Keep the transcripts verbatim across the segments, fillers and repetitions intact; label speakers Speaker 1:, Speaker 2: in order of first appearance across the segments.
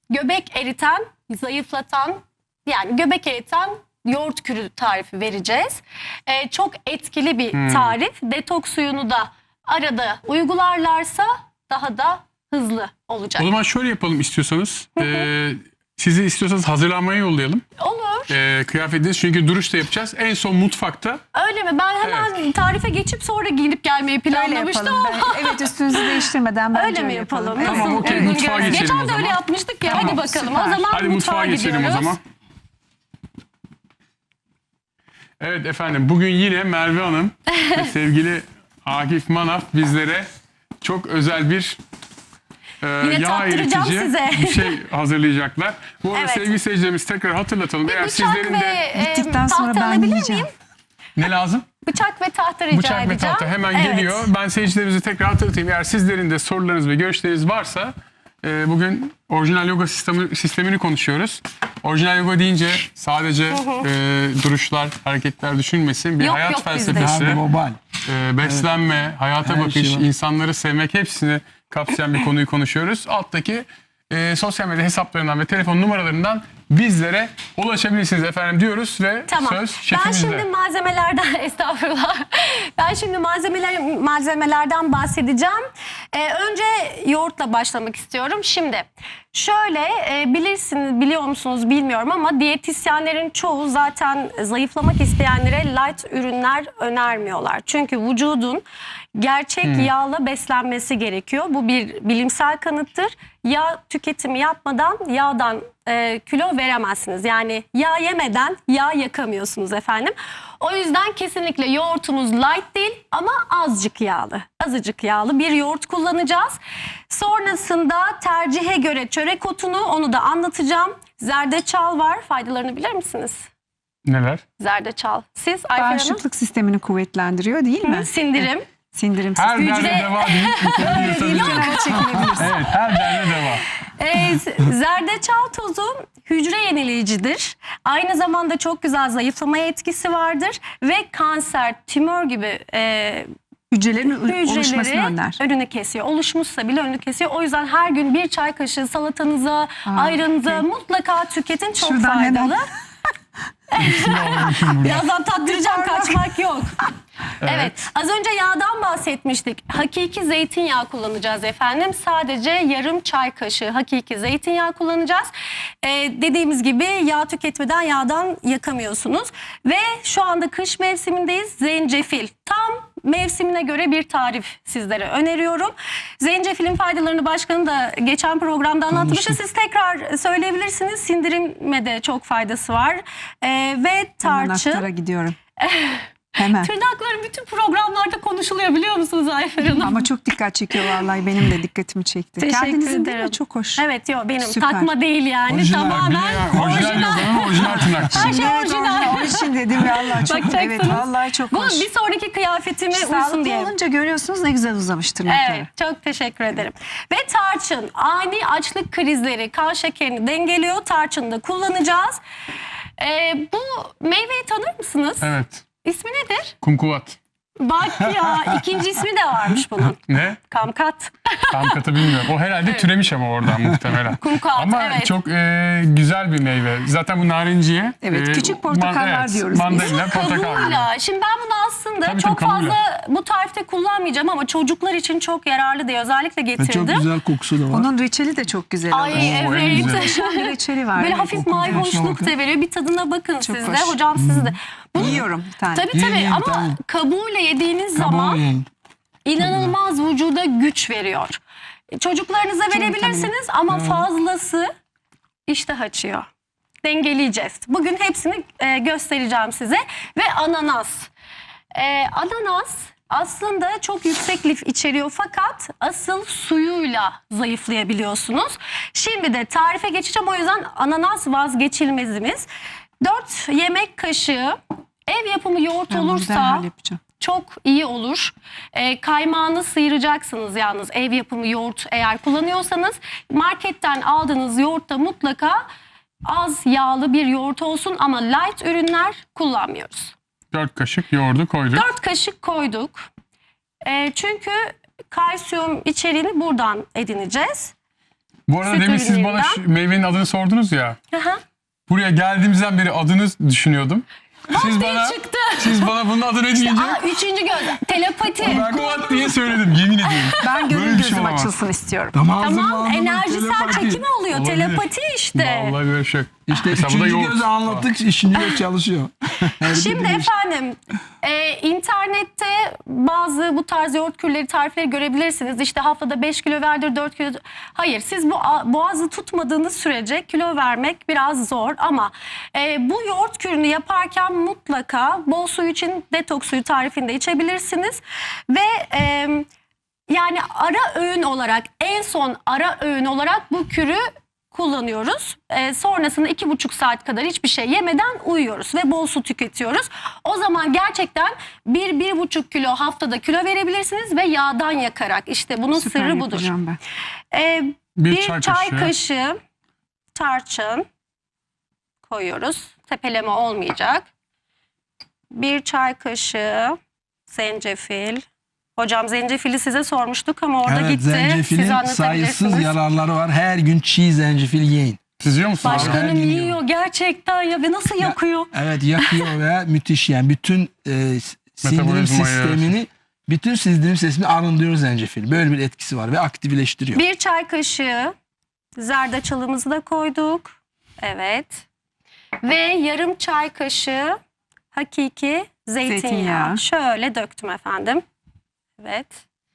Speaker 1: göbek eriten, zayıflatan, yani göbek eriten yoğurt kürü tarifi vereceğiz. Ee, çok etkili bir
Speaker 2: Hmm.
Speaker 1: tarif. Detoks suyunu da arada uygularlarsa daha da hızlı olacak.
Speaker 2: O zaman şöyle yapalım istiyorsanız. Ee, sizi istiyorsanız hazırlanmaya yollayalım.
Speaker 1: Olur.
Speaker 2: Ee, kıyafetiniz, çünkü duruş da yapacağız. En son mutfakta.
Speaker 1: Öyle mi? Ben hemen tarife geçip sonra giyinip gelmeyi
Speaker 3: Öyle
Speaker 1: planlamıştım
Speaker 3: yapalım.
Speaker 1: ama.
Speaker 3: Ben- evet, üstünüzü değiştirmeden bence
Speaker 1: Öyle mi yapalım?
Speaker 3: Evet.
Speaker 2: Tamam,
Speaker 1: Nasıl
Speaker 2: okey,
Speaker 1: uygun
Speaker 2: mutfağa
Speaker 1: görüyorsun?
Speaker 2: geçelim
Speaker 1: Geçen
Speaker 2: o
Speaker 1: de
Speaker 2: zaman.
Speaker 1: öyle yapmıştık ya.
Speaker 2: Tamam,
Speaker 1: Hadi bakalım.
Speaker 3: süper.
Speaker 1: O zaman
Speaker 2: Hadi
Speaker 1: mutfağa,
Speaker 2: mutfağa geçelim
Speaker 1: gidiyoruz.
Speaker 2: o zaman. Evet efendim, bugün yine Merve Hanım ve sevgili Akif Manaf bizlere çok özel bir e,
Speaker 1: Yine
Speaker 2: yağ
Speaker 1: tattıracağım
Speaker 2: eritici
Speaker 1: size.
Speaker 2: bir şey hazırlayacaklar. Bu arada
Speaker 1: Evet.
Speaker 2: sevgili seyircilerimiz tekrar hatırlatalım.
Speaker 1: Bir
Speaker 2: Eğer
Speaker 1: bıçak
Speaker 2: sizlerin
Speaker 1: ve
Speaker 2: de
Speaker 1: e,
Speaker 3: Bittikten sonra
Speaker 1: tahta
Speaker 3: ben
Speaker 1: alabilir
Speaker 3: yiyeceğim.
Speaker 1: miyim?
Speaker 2: ne lazım?
Speaker 1: Bıçak ve tahta rica
Speaker 2: Bıçak
Speaker 1: edeceğim.
Speaker 2: ve tahta hemen
Speaker 1: Evet.
Speaker 2: geliyor. Ben seyircilerimize tekrar hatırlatayım. Eğer sizlerin de sorularınız ve görüşleriniz varsa e, bugün orijinal yoga sistemi, sistemini konuşuyoruz. Orijinal yoga deyince sadece e, duruşlar, hareketler düşünmesin. Bir
Speaker 1: Yok,
Speaker 2: hayat
Speaker 1: yok bizde.
Speaker 2: felsefesi,
Speaker 4: Global.
Speaker 2: e, beslenme, hayata
Speaker 4: Her
Speaker 2: bakış,
Speaker 4: şey var.
Speaker 2: insanları sevmek, hepsini kapsayan bir konuyu konuşuyoruz. Alttaki e, sosyal medya hesaplarından ve telefon numaralarından bizlere ulaşabilirsiniz efendim diyoruz ve
Speaker 1: Tamam.
Speaker 2: söz
Speaker 1: Ben
Speaker 2: şefimizde.
Speaker 1: şimdi malzemelerden estağfurullah. Ben şimdi malzemeler malzemelerden bahsedeceğim. Ee, önce yoğurtla başlamak istiyorum. Şimdi şöyle e, bilirsiniz, biliyor musunuz bilmiyorum ama diyetisyenlerin çoğu zaten zayıflamak isteyenlere light ürünler önermiyorlar. Çünkü vücudun gerçek yağla beslenmesi gerekiyor. Bu bir bilimsel kanıttır. Yağ tüketimi yapmadan yağdan e, kilo veremezsiniz. Yani yağ yemeden yağ yakamıyorsunuz efendim. O yüzden kesinlikle yoğurtumuz light değil ama azıcık yağlı. Azıcık yağlı bir yoğurt kullanacağız. Sonrasında tercihe göre çörek otunu, onu da anlatacağım. Zerdeçal var. Faydalarını bilir misiniz?
Speaker 2: Neler?
Speaker 1: Zerdeçal. Siz Ayfer Hanım?
Speaker 3: Bağışıklık sistemini kuvvetlendiriyor değil mi?
Speaker 1: Sindirim.
Speaker 3: Sindirim
Speaker 2: Her
Speaker 3: sistemi.
Speaker 2: derde deva deyip bu konuyu yırtabilirim. Evet, her derde deva.
Speaker 1: Ee, z- zerdeçal tozu hücre yenileyicidir. Aynı zamanda çok güzel zayıflamaya etkisi vardır ve kanser, tümör gibi e,
Speaker 3: Hücrelerin oluşmasını
Speaker 1: hücreleri
Speaker 3: önler.
Speaker 1: önünü kesiyor. Oluşmuşsa bile önünü kesiyor. O yüzden her gün bir çay kaşığı salatanıza, ayranıza
Speaker 3: okey.
Speaker 1: mutlaka tüketin. Çok
Speaker 3: Şuradan
Speaker 1: faydalı.
Speaker 3: hemen.
Speaker 1: Birazdan tattıracağım, kaçmak yok. Evet. Az önce yağdan bahsetmiştik. Hakiki zeytinyağı kullanacağız efendim. Sadece yarım çay kaşığı hakiki zeytinyağı kullanacağız. Ee, dediğimiz gibi yağ tüketmeden yağdan yakamıyorsunuz. Ve şu anda kış mevsimindeyiz. Zencefil. Tam mevsimine göre bir tarif sizlere öneriyorum. Zencefilin faydalarını başkanı da geçen programda anlatmıştı. Siz tekrar söyleyebilirsiniz. Sindirime de çok faydası var. Ee, ve
Speaker 3: Hemen
Speaker 1: tarçın.
Speaker 3: aktara gidiyorum. Hemen.
Speaker 1: Tırnakların bütün programlarda konuşuluyor, biliyor musunuz Ayfer Hanım?
Speaker 3: Ama çok dikkat çekiyor vallahi, benim de dikkatimi çekti.
Speaker 1: Teşekkür
Speaker 3: Kendinizin değil
Speaker 1: ederim.
Speaker 3: mi? Çok hoş.
Speaker 1: Evet, yok benim
Speaker 3: Süper.
Speaker 1: takma değil yani,
Speaker 2: Orijinal,
Speaker 1: tamamen
Speaker 2: bir- orijinal
Speaker 1: orijinal.
Speaker 2: yoganın orijinal tırnakçısı.
Speaker 1: Her şey
Speaker 3: Evet,
Speaker 1: orijinal.
Speaker 3: Onun için dedim vallahi çok,
Speaker 1: Bakacaksınız.
Speaker 3: evet vallahi çok
Speaker 1: Bu
Speaker 3: hoş.
Speaker 1: bir sonraki kıyafetime uysun
Speaker 3: Sağlıklı
Speaker 1: diye.
Speaker 3: olunca görüyorsunuz ne güzel uzamış tırnakları.
Speaker 1: Evet, çok teşekkür ederim. Ve tarçın ani açlık krizleri, kan şekerini dengeliyor. Tarçını da kullanacağız. Ee, bu meyveyi tanır mısınız?
Speaker 2: Evet.
Speaker 1: İsmi nedir?
Speaker 2: Kumkuvat.
Speaker 1: Bak ya, ikinci ismi de varmış bunun.
Speaker 2: Ne?
Speaker 1: Kamkat.
Speaker 2: Tam katı bilmiyorum. O herhalde türemiş ama oradan muhtemelen.
Speaker 1: Kumkuat,
Speaker 2: ama
Speaker 1: evet.
Speaker 2: çok e, güzel bir meyve. Zaten bu narinciye.
Speaker 3: Evet, küçük portakallar
Speaker 2: evet,
Speaker 3: diyoruz biz.
Speaker 2: Mandalina, portakal. gibi.
Speaker 1: Kabuğuyla. Şimdi ben bunu aslında
Speaker 2: Tabii,
Speaker 1: çok
Speaker 2: tabii, kabuğuyla.
Speaker 1: fazla bu tarifte kullanmayacağım ama çocuklar için çok yararlı diye özellikle
Speaker 4: Ve
Speaker 1: getirdim.
Speaker 4: çok güzel kokusu da var.
Speaker 3: Onun reçeli de çok güzel
Speaker 1: Ay
Speaker 3: olur.
Speaker 2: Oo, en
Speaker 1: evet.
Speaker 2: güzel.
Speaker 3: Muhteşem bir reçeli var.
Speaker 1: Böyle
Speaker 3: Evet.
Speaker 1: hafif
Speaker 4: kokunun
Speaker 1: mayhoşluk
Speaker 4: hoşuna
Speaker 1: da veriyor. Bir tadına bakın
Speaker 3: Çok
Speaker 1: siz de.
Speaker 3: hoş.
Speaker 1: Hocam siz de. Bunu,
Speaker 3: Yiyorum bir tane.
Speaker 1: tabii
Speaker 4: Yiyin,
Speaker 1: tabii
Speaker 4: yiyin,
Speaker 1: ama
Speaker 4: tamam.
Speaker 1: kabuğuyla yediğiniz
Speaker 4: Kabuğu
Speaker 1: zaman
Speaker 4: yiyin.
Speaker 1: inanılmaz vücuda güç veriyor. Çocuklarınıza verebilirsiniz ama fazlası iştah açıyor. Dengeleyeceğiz. Bugün hepsini e, göstereceğim size. Ve ananas. E, ananas aslında çok yüksek lif içeriyor fakat asıl suyuyla zayıflayabiliyorsunuz. Şimdi de tarife geçeceğim, o yüzden ananas vazgeçilmezimiz. dört yemek kaşığı ev yapımı yoğurt
Speaker 3: Ben bunu
Speaker 1: olursa
Speaker 3: derhal yapacağım.
Speaker 1: çok iyi olur. E, kaymağını sıyıracaksınız yalnız, ev yapımı yoğurt eğer kullanıyorsanız. Marketten aldığınız yoğurtta mutlaka az yağlı bir yoğurt olsun ama light ürünler kullanmıyoruz.
Speaker 2: Dört kaşık yoğurdu koyduk.
Speaker 1: dört kaşık koyduk. E, çünkü kalsiyum içeriğini buradan edineceğiz.
Speaker 2: Bu arada
Speaker 1: Süt
Speaker 2: demin siz bana
Speaker 1: ürünlerinden.
Speaker 2: şu meyvenin adını sordunuz ya.
Speaker 1: Aha.
Speaker 2: Buraya geldiğimizden beri adını düşünüyordum. Siz
Speaker 1: diye
Speaker 2: bana,
Speaker 1: çıktı.
Speaker 2: siz bana bunun adını deyince
Speaker 1: Aa, üçüncü göz. Telepati.
Speaker 2: kuvat diye söyledim, yemin ediyorum.
Speaker 3: Ben
Speaker 2: Böyle
Speaker 3: gönül
Speaker 2: bir şey
Speaker 3: gözüm
Speaker 2: olamaz.
Speaker 3: açılsın istiyorum.
Speaker 1: Tamam, enerjisel çekim oluyor.
Speaker 2: Olabilir.
Speaker 1: Telepati işte.
Speaker 2: Vallahi böyle şey.
Speaker 4: İşte
Speaker 2: Mesela bu da
Speaker 4: üçüncü
Speaker 2: yoğurt.
Speaker 4: gözü anlattık, üçüncü göz çalışıyor.
Speaker 1: Şimdi efendim e, internette bazı bu tarz yoğurt kürleri, tarifleri görebilirsiniz. İşte haftada beş kilo verdir, dört kilo. Hayır, siz bu a- boğazı tutmadığınız sürece kilo vermek biraz zor. Ama e, bu yoğurt kürünü yaparken mutlaka bol su için detoks suyu tarifinde içebilirsiniz. Ve e, yani ara öğün olarak, en son ara öğün olarak bu kürü kullanıyoruz. Ee, sonrasında iki buçuk saat kadar hiçbir şey yemeden uyuyoruz ve bol su tüketiyoruz. O zaman gerçekten bir, bir buçuk kilo haftada kilo verebilirsiniz ve yağdan yakarak. İşte bunun
Speaker 3: Süper
Speaker 1: sırrı budur.
Speaker 3: yapacağım ben.
Speaker 1: Ee,
Speaker 2: Bir
Speaker 1: bir,
Speaker 2: çay
Speaker 1: çay,
Speaker 2: kaşığı.
Speaker 1: kaşığı tarçın koyuyoruz. Tepeleme olmayacak. Bir çay kaşığı zencefil. Hocam zencefili size sormuştuk ama orada
Speaker 4: Evet,
Speaker 1: gitti. Siz
Speaker 4: zencefilin sayısız
Speaker 1: anlatabilirsiniz.
Speaker 4: yararları var. Her gün çiğ zencefil yiyin.
Speaker 2: Siz yiyor musunuz?
Speaker 4: Her
Speaker 1: Başkanım
Speaker 4: gün
Speaker 1: yiyor
Speaker 4: yiyorum.
Speaker 1: gerçekten ya ve nasıl yakıyor?
Speaker 4: Evet, yakıyor ve müthiş yani. Bütün e, sindirim
Speaker 2: Metabolizmayı,
Speaker 4: sistemini, bütün sindirim sistemini arındırıyor zencefil. Böyle bir etkisi var ve aktifleştiriyor.
Speaker 1: Bir çay kaşığı zerdeçalımızı da koyduk. Evet. Ve yarım çay kaşığı hakiki zeytinyağı.
Speaker 3: Zeytinyağı.
Speaker 1: Şöyle döktüm efendim. Evet.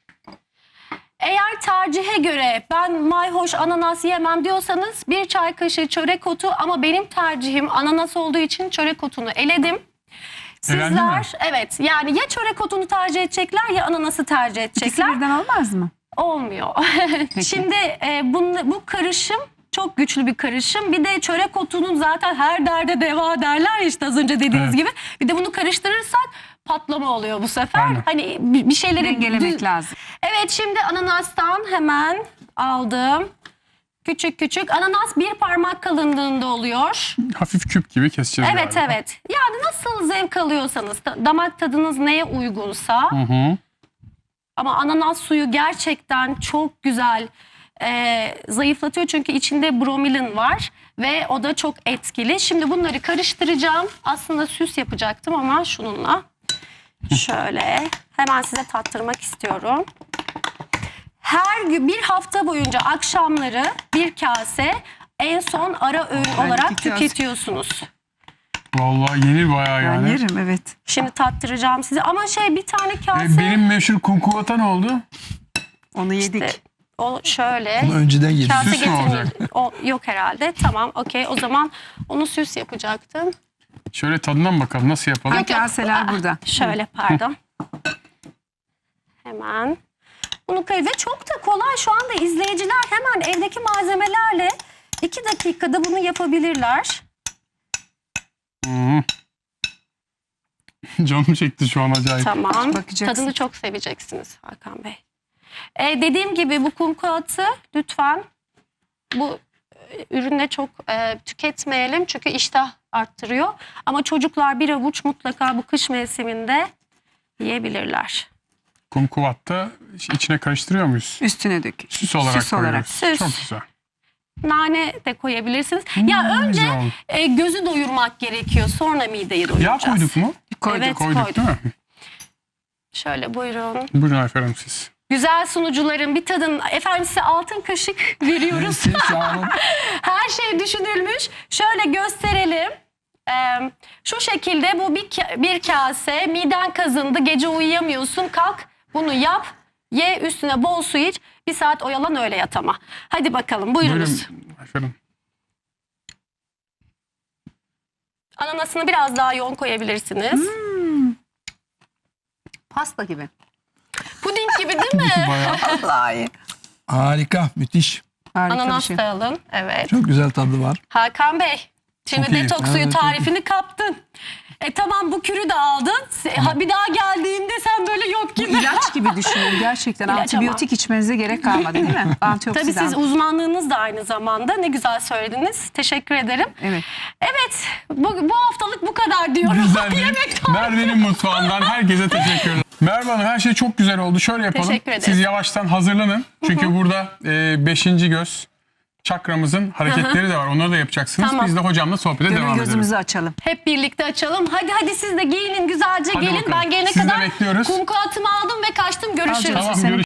Speaker 1: Eğer tercihe göre ben mayhoş ananas yemem diyorsanız bir çay kaşığı çörek otu, ama benim tercihim ananas olduğu için çörek otunu eledim.
Speaker 2: Elendi mi?
Speaker 1: Sizler evet, yani ya çörek otunu tercih edecekler ya ananası tercih
Speaker 3: İkisi
Speaker 1: edecekler.
Speaker 3: birden olmaz mı?
Speaker 1: Olmuyor. Şimdi e, bunun, bu karışım çok güçlü bir karışım. Bir de çörek otunun zaten her derde deva derler ya, işte az önce dediğiniz
Speaker 2: Evet.
Speaker 1: gibi. Bir de bunu karıştırırsak patlama oluyor bu sefer.
Speaker 2: Aynen.
Speaker 1: Hani bir bir şeyleri
Speaker 3: Dengelemek
Speaker 1: düz-
Speaker 3: lazım.
Speaker 1: Evet, şimdi ananastan hemen aldım. Küçük küçük. Ananas bir parmak kalınlığında oluyor.
Speaker 2: Hafif küp gibi keseceğiz
Speaker 1: Evet
Speaker 2: galiba.
Speaker 1: evet. Yani nasıl zevk alıyorsanız, da- damak tadınız neye uygunsa.
Speaker 2: Hı hı.
Speaker 1: Ama ananas suyu gerçekten çok güzel e, zayıflatıyor. Çünkü içinde bromelin var ve o da çok etkili. Şimdi bunları karıştıracağım. Aslında süs yapacaktım ama şununla. Şöyle hemen size tattırmak istiyorum. Her gün bir hafta boyunca akşamları bir kase, en son ara öğün
Speaker 3: Ben
Speaker 1: olarak
Speaker 3: iki kase.
Speaker 1: tüketiyorsunuz.
Speaker 2: Vallahi yenir bayağı
Speaker 3: Ben
Speaker 2: yani.
Speaker 3: yerim evet.
Speaker 1: Şimdi tattıracağım size. Ama şey, bir tane
Speaker 2: E,
Speaker 1: kase.
Speaker 2: benim meşhur kumkuvata ne oldu?
Speaker 3: Onu yedik.
Speaker 1: İşte o şöyle.
Speaker 4: Bunu önceden yedik.
Speaker 1: Kase
Speaker 2: Süs mü
Speaker 1: getirmeyi-
Speaker 2: olacak?
Speaker 1: O, yok herhalde. Tamam, okey. O zaman onu süs yapacaktım.
Speaker 2: Şöyle tadına mı bakalım, nasıl yapalım?
Speaker 3: Ay, kaseler burada.
Speaker 1: Şöyle, pardon. Hemen. Bunu koy ve çok da kolay. Şu anda izleyiciler hemen evdeki malzemelerle iki dakikada bunu yapabilirler.
Speaker 2: Hı hı. Canım çekti şu an acayip.
Speaker 1: Tamam.
Speaker 3: Bakacaksın.
Speaker 1: Tadını çok seveceksiniz Hakan Bey. Ee, dediğim gibi bu kumkuatı lütfen bu e, ürünle çok e, tüketmeyelim. Çünkü iştah arttırıyor. Ama çocuklar bir avuç mutlaka bu kış mevsiminde yiyebilirler.
Speaker 2: Kumkuvatta içine karıştırıyor muyuz?
Speaker 3: Üstüne dök.
Speaker 2: Süs olarak
Speaker 3: Süs olarak.
Speaker 2: koyuyoruz.
Speaker 1: Süs.
Speaker 2: Çok güzel.
Speaker 1: Nane de koyabilirsiniz. Ya önce
Speaker 2: güzel oldu.
Speaker 1: e, gözü doyurmak gerekiyor. Sonra mideyi
Speaker 2: Yağ
Speaker 1: doyuracağız.
Speaker 2: koyduk mu?
Speaker 3: Koyduk.
Speaker 1: Evet,
Speaker 2: Koyduk
Speaker 1: koyduk.
Speaker 2: değil mi?
Speaker 1: Şöyle buyurun.
Speaker 2: Buyurun Ayfer Hanım siz.
Speaker 1: Güzel sunucuların bir tadın. Efendim size altın kaşık veriyoruz.
Speaker 4: Siz sağ olun.
Speaker 1: Her şey düşünülmüş. Şöyle gösterelim. Ee, şu şekilde bu bir, ka- bir kase, miden kazındı, gece uyuyamıyorsun, kalk bunu yap, ye, üstüne bol su iç, bir saat oyalan, öyle yat ama. Hadi bakalım, buyurunuz.
Speaker 2: Buyurun Ayfer Hanım.
Speaker 1: Ananasını biraz daha yoğun koyabilirsiniz.
Speaker 3: Pasta gibi.
Speaker 1: Puding gibi değil mi?
Speaker 2: Bayağı.
Speaker 3: Vallahi.
Speaker 4: Harika, müthiş.
Speaker 3: Harika bir
Speaker 1: Ananas
Speaker 3: şey.
Speaker 1: da alın. Evet.
Speaker 4: Çok güzel tadı var.
Speaker 1: Hakan Bey, şimdi
Speaker 2: Çok iyi.
Speaker 1: detoks suyu
Speaker 4: Evet, çok
Speaker 1: tarifini kaptın. E tamam, bu kürü de aldın. Se- ha, bir daha geldiğinde sen böyle yok
Speaker 3: Bu
Speaker 1: gibi.
Speaker 3: ilaç gibi düşünün gerçekten.
Speaker 1: İlaç
Speaker 3: Antibiyotik içmenize gerek kalmadı değil mi? Antioksidan.
Speaker 1: Tabii siz uzmanlığınız da aynı zamanda. Ne güzel söylediniz. Teşekkür ederim.
Speaker 3: Evet.
Speaker 1: Evet, bu, bu haftalık bu kadar diyorum.
Speaker 2: Güzel bir
Speaker 1: Yemek tarifi.
Speaker 2: Merve'nin mutfağından herkese teşekkür ederim. Merve Hanım, her şey çok güzel oldu. Şöyle yapalım.
Speaker 1: Teşekkür ederim.
Speaker 2: Siz yavaştan hazırlanın. Çünkü burada e, beşinci göz çakramızın hareketleri de var. Onları da yapacaksınız.
Speaker 1: Tamam.
Speaker 2: Biz de hocamla sohbete
Speaker 3: Gönül
Speaker 2: devam edelim.
Speaker 3: gözümüzü açalım.
Speaker 1: Hep birlikte açalım. Hadi hadi siz de giyinin güzelce
Speaker 2: Hadi
Speaker 1: gelin.
Speaker 2: bakalım.
Speaker 1: Ben gelene
Speaker 2: Sizi de
Speaker 1: kadar
Speaker 2: bekliyoruz.
Speaker 1: kum kağıtımı aldım ve kaçtım. Görüşürüz.
Speaker 3: Alacağız.
Speaker 2: Tamam,
Speaker 3: Seni
Speaker 2: görüşürüz.